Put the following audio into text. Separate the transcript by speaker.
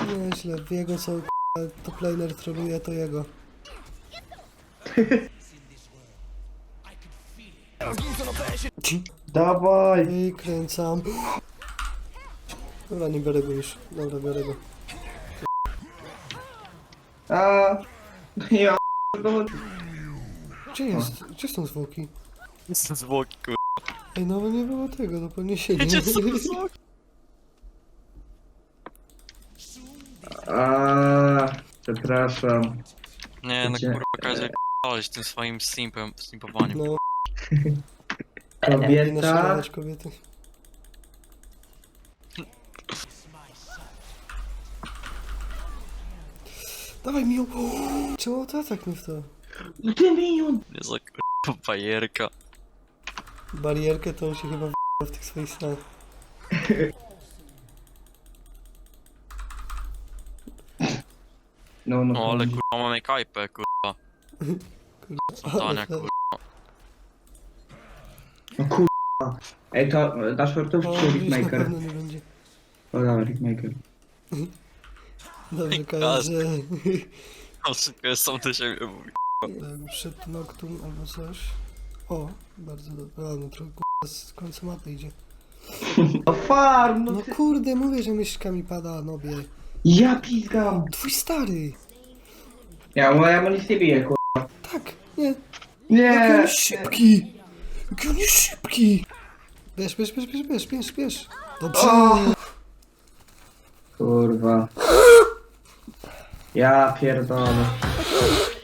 Speaker 1: Nieźle, w jego co top laner troluje, to jego.
Speaker 2: Dawaj!
Speaker 1: I kręcam. Dobra, nie biorę go już. Dobra, biorę go.
Speaker 2: A, ja
Speaker 1: Gdzie jest? Gdzie są zwłoki?
Speaker 3: Jestem zwłoki, kurwa.
Speaker 1: Ej, no nie było tego, do podniesienia.
Speaker 3: Gdzie są zwłoki?
Speaker 2: Przepraszam.
Speaker 3: Nie, no
Speaker 2: Gdzie?
Speaker 3: kurwa, każdy p***aleś tym swoim simpowaniem.
Speaker 1: No, nie
Speaker 2: Kobieta.
Speaker 1: naśladować kobiety. Dawaj mi ją! Czemu to atak nie w to?
Speaker 2: No ty minion!
Speaker 3: Nie za kurwa bajerka.
Speaker 1: Barierkę to on się chyba w tych swoich snach.
Speaker 2: No,
Speaker 3: No ale kurwa mamy kajpę, kurwa. Zadania, kurwa.
Speaker 2: No kurwa. Ej, to dasz shortów
Speaker 1: O,
Speaker 2: czy
Speaker 1: widzisz, na
Speaker 2: Rickmaker?
Speaker 1: pewno nie będzie.
Speaker 2: O, dobra, Rickmaker.
Speaker 1: Dobrze,
Speaker 3: Gaz.
Speaker 1: KSG.
Speaker 3: No szybko jest sam do siebie mówi.
Speaker 1: Jakby przed Noctum albo coś. O, bardzo dobrze. A, no trochę z końca mapy idzie.
Speaker 2: O farm, no
Speaker 1: No
Speaker 2: ty...
Speaker 1: kurde, mówię, że myszka mi pada, nobie.
Speaker 2: Ja pizgam!
Speaker 1: Twój stary!
Speaker 2: Ja mu nic nie biję, kurwa.
Speaker 1: Tak, nie. Jaki on
Speaker 2: Nie!
Speaker 1: jest szybki! Jaki on jest szybki! Bierz. Dobrze!
Speaker 2: O! Kurwa. Ja pierdolę.